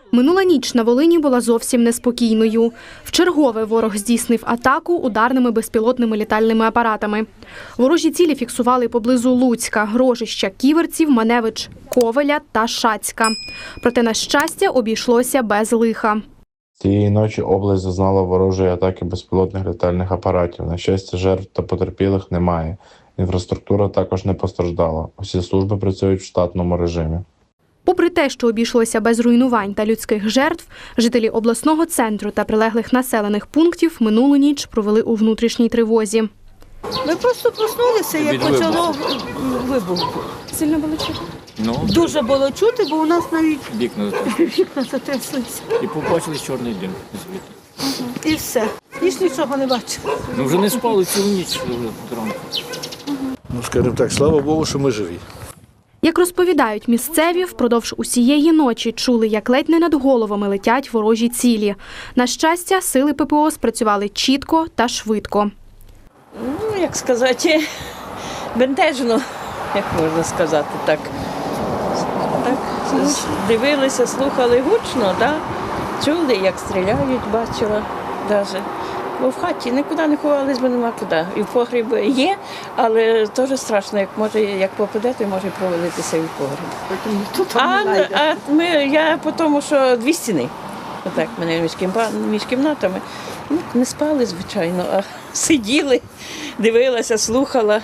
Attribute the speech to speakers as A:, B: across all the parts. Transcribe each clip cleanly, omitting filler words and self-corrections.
A: Минула ніч на Волині була зовсім неспокійною. Вчергове ворог здійснив атаку ударними безпілотними літальними апаратами. Ворожі цілі фіксували поблизу Луцька, Рожища, Ківерців, Маневич, Ковеля та Шацька. Проте, на щастя, обійшлося без лиха.
B: Цієї ночі область зазнала ворожої атаки безпілотних літальних апаратів. На щастя, жертв та потерпілих немає. Інфраструктура також не постраждала. Усі служби працюють в штатному режимі.
A: Попри те, що обійшлося без руйнувань та людських жертв, жителі обласного центру та прилеглих населених пунктів минулу ніч провели у внутрішній тривозі.
C: Ми просто проснулися, як почало вибух.
A: Сильно було чути?
C: Дуже було чути, бо у нас навіть
D: Вікна
C: затряслися.
D: і побачили чорний дим звідти.
C: І все. Ніж нічого не бачили.
D: Ну вже не спали цілу ніч зранку.
E: Ну, скажімо так, слава Богу, що ми живі.
A: Як розповідають місцеві, впродовж усієї ночі чули, як ледь не над головами летять ворожі цілі. На щастя, сили ППО спрацювали чітко та швидко.
F: Ну, як сказати, бентежно, як можна сказати, так. Так, дивилися, слухали гучно, так? Чули, як стріляють, бачила навіть. Бо в хаті нікуди не ховались, бо нема куди. І в погріб є, але теж страшно, як попаде, то може провалитися і в погріб. Я по тому, що дві стіни. Отак, мене між кімнатами. Ну, не спали, звичайно, а сиділи, дивилася, слухала.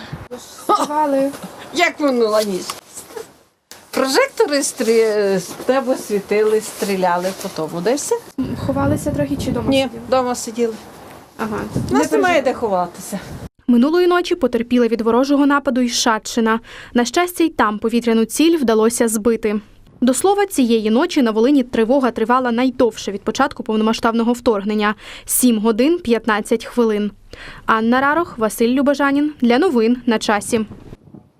G: Як минула ніч? Прожектори з тебе світили, стріляли по тому. Де все?
A: Ховалися трохи чи дома?
G: Ні, вдома сиділи.
A: Ага.
G: У нас немає де ховатися.
A: Минулої ночі потерпіла від ворожого нападу і Шацька. На щастя, й там повітряну ціль вдалося збити. До слова, цієї ночі на Волині тривога тривала найдовше від початку повномасштабного вторгнення – 7 годин 15 хвилин. Анна Рарох, Василь Любежанін. Для новин на часі.